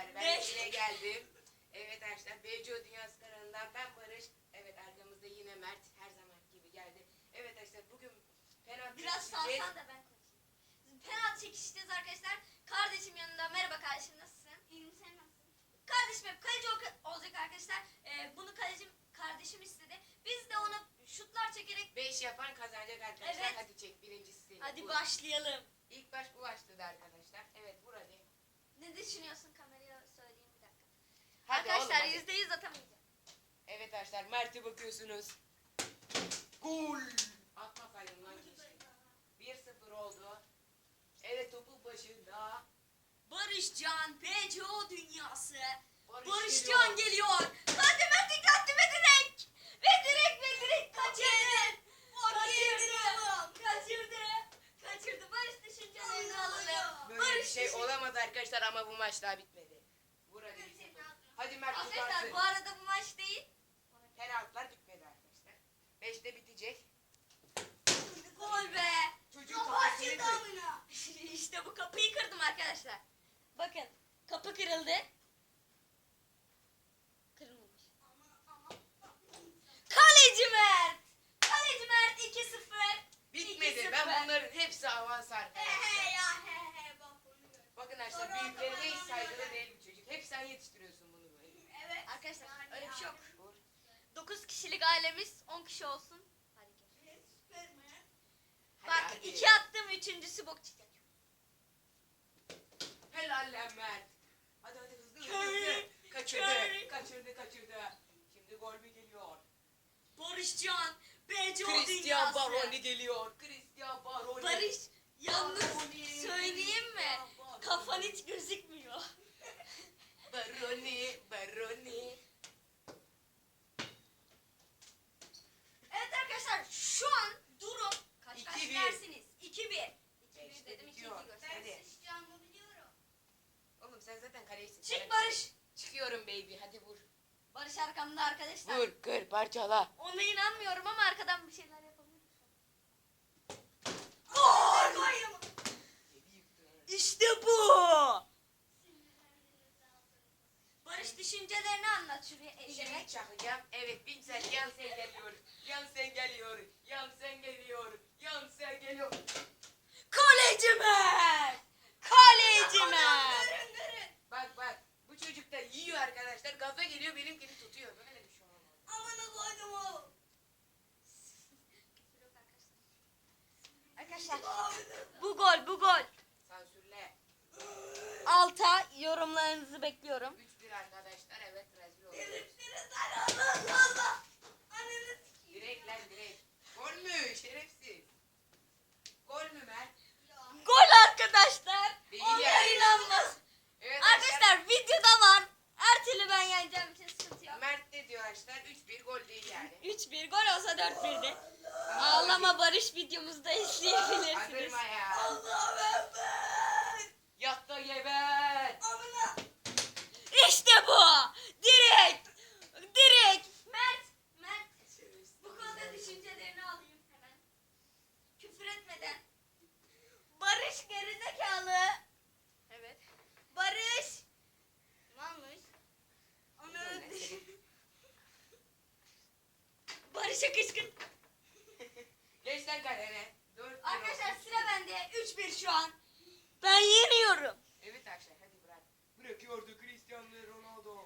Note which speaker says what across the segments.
Speaker 1: arkadaşlar ben yine geldim. Evet arkadaşlar BCO Dünyası kanalından ben Barış. Evet arkamızda yine Mert her zaman gibi geldi. Evet arkadaşlar bugün penaltı
Speaker 2: Biraz
Speaker 1: çekeceğiz.
Speaker 2: salsan da ben konuşayım. Penaltı çekişeceğiz arkadaşlar. Kardeşim yanında. Merhaba kardeşim, nasılsın?
Speaker 3: İyiyim, sen nasılsın?
Speaker 2: Kardeşim hep kaleci olacak arkadaşlar. Bunu kardeşim istedi. Biz de ona şutlar çekerek
Speaker 1: 5 yapan kazanacak arkadaşlar.
Speaker 2: Evet.
Speaker 1: Hadi çek birincisi senin.
Speaker 2: hadi
Speaker 1: Vur.
Speaker 2: başlayalım.
Speaker 1: İlk baş bu başladı arkadaşlar. Evet vur hadi.
Speaker 2: Ne düşünüyorsun, kameraya söyleyeyim bir dakika.
Speaker 1: Hadi
Speaker 2: Arkadaşlar
Speaker 1: oğlum, hadi.
Speaker 2: %100 atamayacağım.
Speaker 1: Evet arkadaşlar Mert'e bakıyorsunuz. Gol. Atmasaydım lan keşke. 1-0 oldu. Evet topun başında.
Speaker 2: Barışcan BCO Dünyası.
Speaker 1: Barış
Speaker 2: Barışcan geliyor. Hadi Metin attı ve direkt. Ve direkt kaçırdı. Kaçırdı. Barış düşüncelerini alalım.
Speaker 1: Böyle bir
Speaker 2: Barış
Speaker 1: şey olamadı arkadaşlar ama bu maç daha bitmedi. Vur hadi. Hadi Mert
Speaker 2: Arkadaşlar
Speaker 1: tutarsın.
Speaker 2: bu arada bu maç değil.
Speaker 1: Penaltılar bitmedi arkadaşlar. 5'te bitecek.
Speaker 2: Gol be.
Speaker 1: Çocuğun kafasını kır.
Speaker 2: İşte bu kapıyı kırdım arkadaşlar. Bakın kapı kırıldı. Kırılmamış. Kaleci Mert. Kaleci Mert 2-0.
Speaker 1: Bitmedi.
Speaker 2: 2-0.
Speaker 1: Ben bunların hepsi avans arkadaşlar. Bakın arkadaşlar büyüklerine hiç saygılı değil bu çocuk. Hep sen yetiştiriyorsun bunu böyle.
Speaker 3: Evet.
Speaker 2: Arkadaşlar öyle bir şey yok.
Speaker 1: Vur.
Speaker 2: 9 kişilik ailemiz 10 kişi olsun. Hadi gel.
Speaker 1: Hadi,
Speaker 2: Bak
Speaker 1: hadi.
Speaker 2: 2 attım, üçüncüsü bok çıkacak.
Speaker 1: Helal lan Mert. Hadi hadi hızlı
Speaker 2: Curry,
Speaker 1: hızlı. Kaçırdı.
Speaker 2: Curry.
Speaker 1: Kaçırdı. Şimdi gol mü geliyor?
Speaker 2: Barışcan BCO
Speaker 1: Christian
Speaker 2: Dünyası.
Speaker 1: Baroni geliyor. Christian Baroni.
Speaker 2: Barış yalnız
Speaker 1: Baroni.
Speaker 2: söyleyeyim mi?
Speaker 1: Baroni.
Speaker 2: Kafan hiç gözükmüyor.
Speaker 1: Baroni.
Speaker 2: Evet arkadaşlar şu an durum kaç
Speaker 1: 2-1.
Speaker 2: dersiniz? 2-1. 2-1
Speaker 1: İşte
Speaker 2: dedim, 2-2
Speaker 1: bitiyor.
Speaker 2: göster.
Speaker 1: Hadi.
Speaker 3: Sıçacağımı biliyorum.
Speaker 1: Oğlum sen zaten kalecisin.
Speaker 2: Çık Barış.
Speaker 1: Çıkıyorum baby. Hadi vur.
Speaker 2: Barış arkamda arkadaşlar.
Speaker 1: Vur kır parçala.
Speaker 2: Ona inanmıyorum ama arkadan bir şeyler yapabilirim. Gol! İşte bu. Barış düşüncelerini anlat şuraya
Speaker 1: Şimdi
Speaker 2: eğilerek.
Speaker 1: çakacağım. Evet Pinsel Yansen geliyor. Yansen geliyor. Yansen geliyor. Yansen geliyor.
Speaker 2: Kaleci Mert! Kaleci Mert!
Speaker 1: Bak bu çocuk da yiyor arkadaşlar. Gaza geliyor benimkini tutuyor. Böyle bir şey olmaz.
Speaker 3: Amına koydum o.
Speaker 2: Arkadaşlar bu gol.
Speaker 1: Sansürle.
Speaker 2: Alta yorumlarınızı bekliyorum.
Speaker 1: 3-1 arkadaşlar. Evet rezil oldu.
Speaker 3: Allah. Ananı sikeyim.
Speaker 1: Direkt lan direkt. Gol mü? Şerefsiz. Gol mü Mert?
Speaker 2: Gol arkadaşlar.
Speaker 1: Değil
Speaker 2: Onlar
Speaker 1: yani.
Speaker 2: inanmaz.
Speaker 1: Evet
Speaker 2: Arkadaşlar videoda var. Her türlü ben yeneceğim için sıkıntı yok.
Speaker 1: Mert de diyor arkadaşlar 3-1 gol değil yani.
Speaker 2: 3-1 gol olsa 4-1'di. Ağlama Barış videomuzda izleyebilirsiniz.
Speaker 1: Andırma ya.
Speaker 3: Allah'ım ben.
Speaker 1: Yat da geber.
Speaker 3: Amına.
Speaker 2: İşte bu. Direkt. Mert. Bu konuda düşüncelerini alayım hemen. Küfür etmeden. Barış gerizekalı. Evet. Barış.
Speaker 3: Malmış.
Speaker 1: Ananı
Speaker 2: Barış'a kışkırt.
Speaker 1: Geç lan kalene. 4-1
Speaker 2: Arkadaşlar
Speaker 1: olsun.
Speaker 2: sıra bende. 3-1 şu an. Ben yeniyorum.
Speaker 1: Evet arkadaşlar hadi bırak. Bırakıyordu Cristiano Ronaldo.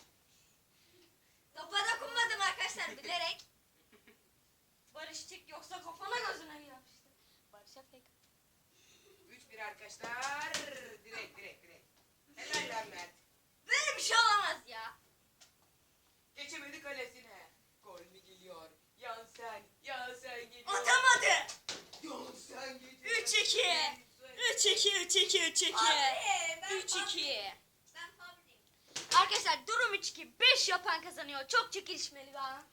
Speaker 2: Topa dokunmadım arkadaşlar bilerek. Barış çık yoksa kafana gözüne yapıştı. Barış'a fake.
Speaker 1: 3-1 arkadaşlar. Direkt. Helal lan Mert.
Speaker 2: Böyle bir şey olamaz ya.
Speaker 1: Geçemedi kalesine. Gol mü geliyor? Yansen geliyor.
Speaker 2: Atamadı.
Speaker 1: Yansen geliyor.
Speaker 2: 3-2. 3-2.
Speaker 3: Abi, ben
Speaker 2: 3-2.
Speaker 3: Ben fabriyim.
Speaker 2: Arkadaşlar durum 3-2. 5 yapan kazanıyor. Çok çekişmeli bir an.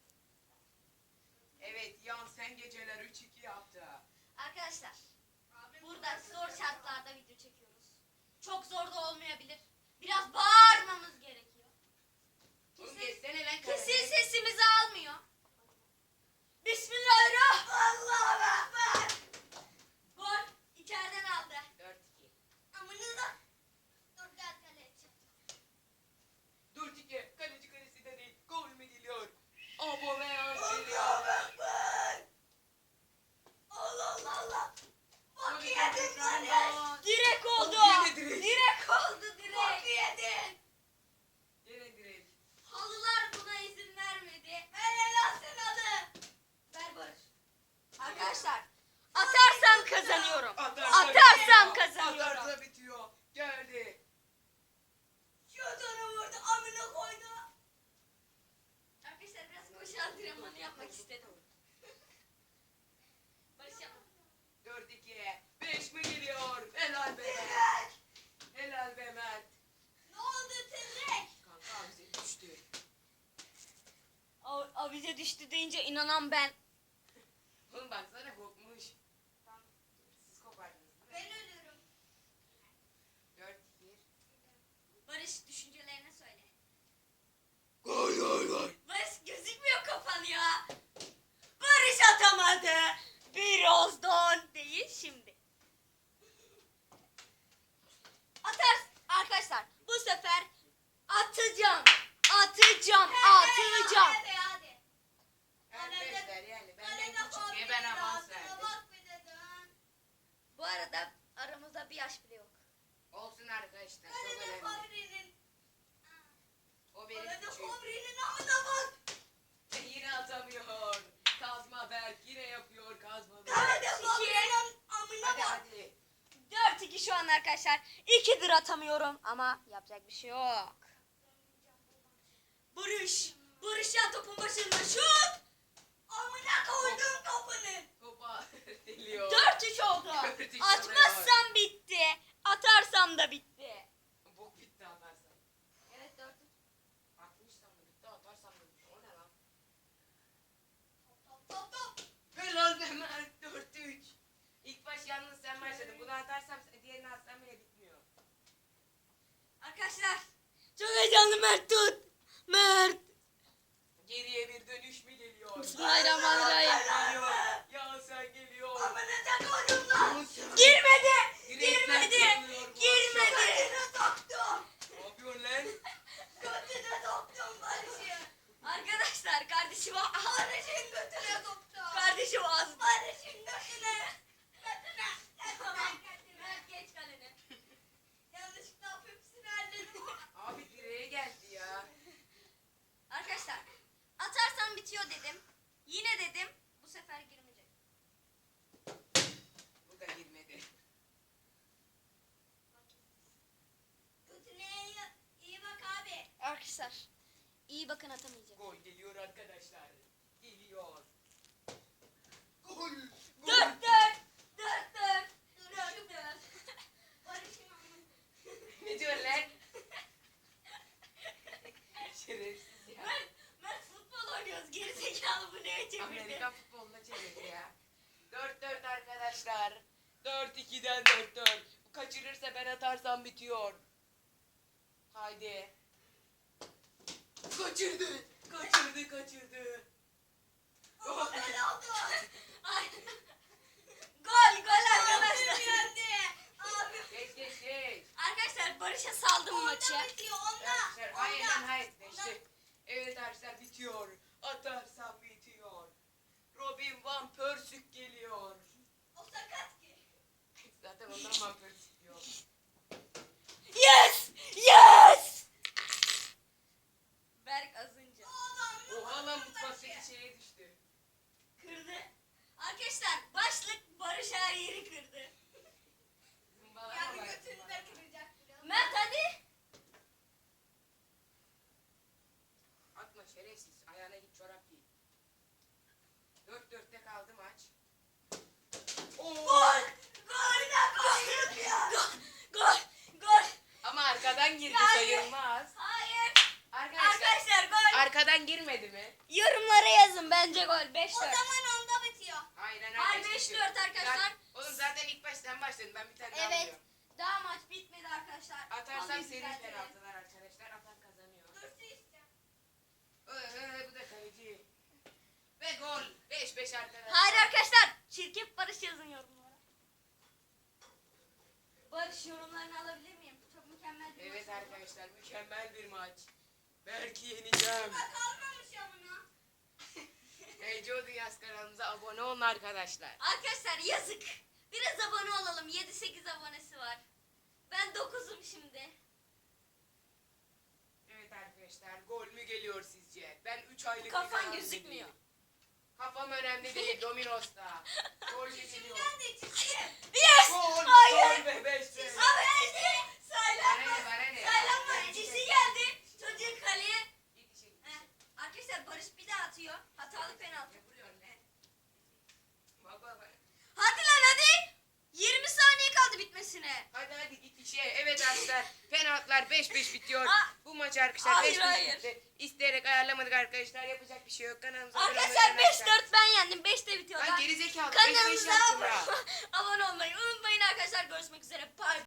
Speaker 1: Evet Yansen geceler 3-2 yaptı.
Speaker 2: Arkadaşlar
Speaker 3: Abim
Speaker 2: burada
Speaker 3: çok
Speaker 2: zor
Speaker 3: kötü.
Speaker 2: şartlarda video çekiyoruz. Çok zor da olmayabilir. Biraz bağırmamız gerekiyor.
Speaker 1: Oğlum
Speaker 2: Kesin,
Speaker 1: geçsene lan
Speaker 2: kesin
Speaker 1: kalene.
Speaker 2: sesimizi almıyor. Bismillahirrahmanirrahim.
Speaker 3: Allah'ım ben.
Speaker 2: Gol içeriden aldı.
Speaker 1: 4-2.
Speaker 3: Amına da. Dur gel kaleci.
Speaker 2: arkadaşlar. Atarsam kazanıyorum.
Speaker 1: Atarsa
Speaker 2: Atarsam
Speaker 1: bitiyor.
Speaker 2: kazanıyorum.
Speaker 1: Atarsa bitiyor. Geldi.
Speaker 3: Şutunu vurdu. Amına koydu.
Speaker 2: Arkadaşlar biraz koşu antrenmanı yapmak istedim. Barış yapma.
Speaker 1: 4-2. 5 mi geliyor? Helal be Mert. Helal be Mert.
Speaker 3: Ne oldu Tezek?
Speaker 1: Kanka bize düştü.
Speaker 2: Avize düştü deyince inanan ben.
Speaker 1: Oğlum baksana kopmuş. Siz kopardınız değil mi?
Speaker 3: Ben ölüyorum.
Speaker 1: 4-2.
Speaker 2: Barış düşüncelerini söyle.
Speaker 1: Gol gol gol.
Speaker 2: Barış gözükmüyor kafan ya. Barış atamadı. Birazdan değil şimdi. Atar arkadaşlar bu sefer atacağım. Atacağım. Atacağım.
Speaker 3: Hadi hadi.
Speaker 1: Arkadaşlar yani benden
Speaker 3: Bana da
Speaker 1: küçük diye ben
Speaker 3: fabrinin
Speaker 1: avans
Speaker 3: ağzına
Speaker 1: verdim.
Speaker 3: bak bir de dön.
Speaker 2: Bu arada aramızda bir yaş bile yok.
Speaker 1: Olsun arkadaşlar.
Speaker 3: Bana
Speaker 1: Çok
Speaker 3: da
Speaker 1: önemli.
Speaker 3: fabrinin.
Speaker 1: O benim
Speaker 3: Bana da
Speaker 1: küçüğüm.
Speaker 3: fabrinin amına bak.
Speaker 1: Yine atamıyor. Kazma Berk yine yapıyor kazmalı.
Speaker 3: Bana da fabrinin amına
Speaker 1: Hadi
Speaker 3: bak.
Speaker 1: hadi.
Speaker 2: 4-2 şu an arkadaşlar. 2'dir atamıyorum ama yapacak bir şey yok. Barış. Barış ya topun başında şut.
Speaker 3: Amına koydum kapını.
Speaker 1: Topa deliyor.
Speaker 2: 4-3 oldu.
Speaker 1: 4-3
Speaker 2: Atmazsam bitti. Atarsam da bitti.
Speaker 1: Bok bitti atarsan.
Speaker 2: Evet 4-3.
Speaker 1: Atmışsam da bitti atarsam da bitti. O ne lan?
Speaker 3: Top top top.
Speaker 1: Helal be Mert 4-3. İlk baş yalnız sen başladın. Bunu atarsam diğerini atsam bile bitmiyor.
Speaker 2: Arkadaşlar çok heyecanlı Mert tut. Mert.
Speaker 1: Geriye bir dönüş mü geliyor?
Speaker 2: Bismillahirrahmanirrahim.
Speaker 1: Geliyor. Ya sen geliyor.
Speaker 3: Amına da koydum lan.
Speaker 2: Girmedi.
Speaker 1: Direkten
Speaker 2: Girmedi.
Speaker 1: kırılıyor bu
Speaker 2: Girmedi.
Speaker 3: Götüne soktum.
Speaker 1: Ne yapıyorsun lan?
Speaker 3: Götüne soktum Barış'ı.
Speaker 2: Arkadaşlar kardeşim
Speaker 3: Barış'ın götüne soktum.
Speaker 2: kardeşim az.
Speaker 3: Barış'ın götüne. Götüne.
Speaker 2: Tamam.
Speaker 3: Götüne.
Speaker 2: Mert geç kalene.
Speaker 3: Yanlışlıkla hepsini halledim.
Speaker 1: Abi direğe geldi ya.
Speaker 2: Arkadaşlar atarsam bitiyor dedim. Yine dedim bu sefer girmeyecek.
Speaker 1: Bu da girmedi.
Speaker 3: Götüne iyi bak abi.
Speaker 2: Arkadaşlar iyi bakın atamayacağım.
Speaker 1: Gol geliyor arkadaşlar. Geliyor. Gol. Gol.
Speaker 2: 4-4. 4-4. 4-4.
Speaker 3: Barış'ın amına.
Speaker 1: Ne diyor lan? Şerefsiz ya.
Speaker 2: Mert futbol oynuyoruz. Gerizekalı bu neye çevirdi?
Speaker 1: Amerika futboluna çevirdi ya. 4-4 arkadaşlar. 4-2'den 4-4. Bu kaçırırsa ben atarsam bitiyor. Haydi. Kaçırdı. Kaçırdı kaçırdı.
Speaker 3: Ama ben aldım.
Speaker 2: Ay. Gol gol
Speaker 3: Abim
Speaker 2: arkadaşlar.
Speaker 3: yendi. Abim.
Speaker 1: Geç geç geç.
Speaker 2: Arkadaşlar Barış'a saldım maçı.
Speaker 3: Onda bitiyor onda.
Speaker 1: Arkadaşlar aynen
Speaker 3: Onda.
Speaker 1: hayır. İşte. Evet arkadaşlar bitiyor. Atarsam bitiyor. Robin Van Persie geliyor.
Speaker 3: O sakat ki.
Speaker 1: Zaten ondan Van Persie diyor.
Speaker 2: Yes! Yes! Berk azınca.
Speaker 1: Oha lan mutfaktaki şeye düştü.
Speaker 2: Kırdı. Arkadaşlar başlık Barış her yeri kırdı.
Speaker 1: Zımbalama
Speaker 3: Yani
Speaker 1: var,
Speaker 3: götünü
Speaker 1: zımbalama.
Speaker 3: de kıracak biraz.
Speaker 2: Mert hadi.
Speaker 1: Atma şerefsiz. Ayağına git çorap giy. 4-4'te kaldı maç. Oo.
Speaker 2: Gol! Gol da gol! Gol! Gol!
Speaker 1: Ama arkadan girdi
Speaker 2: Yani-
Speaker 1: sayılmaz.
Speaker 2: Hayır.
Speaker 1: Arkadaşlar
Speaker 2: Arkadaşlar gol.
Speaker 1: arkadan girmedi mi?
Speaker 2: Yorumlara yazın bence gol 5-4.
Speaker 3: O zaman onda bitiyor.
Speaker 1: Aynen
Speaker 2: Hayır,
Speaker 1: arkadaşlar.
Speaker 2: 5-4 arkadaşlar.
Speaker 1: Oğlum zaten ilk baştan başladın. Ben bir tane daha
Speaker 2: Evet.
Speaker 1: alıyorum.
Speaker 2: Daha maç bitmedi arkadaşlar.
Speaker 1: Atarsam
Speaker 2: Alayım
Speaker 1: seri
Speaker 2: zaten.
Speaker 1: penaltılar arkadaşlar. Atan kazanıyor.
Speaker 3: Dursun işte.
Speaker 1: Bu da kaleci. Ve gol. 5-5 arkadaşlar.
Speaker 2: Hayır arkadaşlar. Çirkef Barış yazın yorumlara. Barış yorumlarını alabilir miyim? Çok mükemmel bir
Speaker 1: Evet
Speaker 2: maç oldu.
Speaker 1: arkadaşlar mükemmel bir maç. Belki yeneceğim.
Speaker 3: Bak kalmamış amına.
Speaker 1: Heyeco Dünyası kanalımıza abone olun arkadaşlar.
Speaker 2: Arkadaşlar yazık. Biraz abone olalım. 7-8 abonesi var. Ben 9'um şimdi.
Speaker 1: Evet arkadaşlar gol mü geliyor sizce? Ben 3 aylık bir
Speaker 2: Kafan
Speaker 1: kanal
Speaker 2: gözükmüyor.
Speaker 1: izleyeyim. Kafam önemli değil. Domino's'ta. Jorge geliyor.
Speaker 3: Ben de çizeyim.
Speaker 2: Yes!
Speaker 1: Gol.
Speaker 2: Hayır!
Speaker 1: Gol be 5 be.
Speaker 3: Abi çizdi.
Speaker 1: Bana
Speaker 3: Saylanma.
Speaker 1: ne, bana ne?
Speaker 3: Saylanma. Çizdi geldi. Çocuğun kaleye.
Speaker 1: Git işe, git
Speaker 3: Heh.
Speaker 1: işe.
Speaker 2: Arkadaşlar Barış bir daha atıyor. Hatalı penaltı.
Speaker 1: Vuruyor ne? Bak bak bak.
Speaker 2: Hadi lan hadi. 20 saniye kaldı bitmesine.
Speaker 1: Hadi hadi git işe. Evet arkadaşlar. Penaltılar 5-5 bitiyor.
Speaker 2: Aa,
Speaker 1: Bu maç arkadaşlar
Speaker 2: hayır,
Speaker 1: 5-5
Speaker 2: hayır.
Speaker 1: bitti. İsteyerek ayarlamadık arkadaşlar. Yapacak bir şey yok. Kanalımıza abone olmayı
Speaker 2: Arkadaşlar
Speaker 1: unutmayın.
Speaker 2: 5-4 ben yendim. 5'te bitiyor.
Speaker 1: Lan gerizekalı. 5-5
Speaker 2: Kanalımıza
Speaker 1: yaptım ya.
Speaker 2: abone olmayı unutmayın arkadaşlar. Görüşmek üzere. Bye.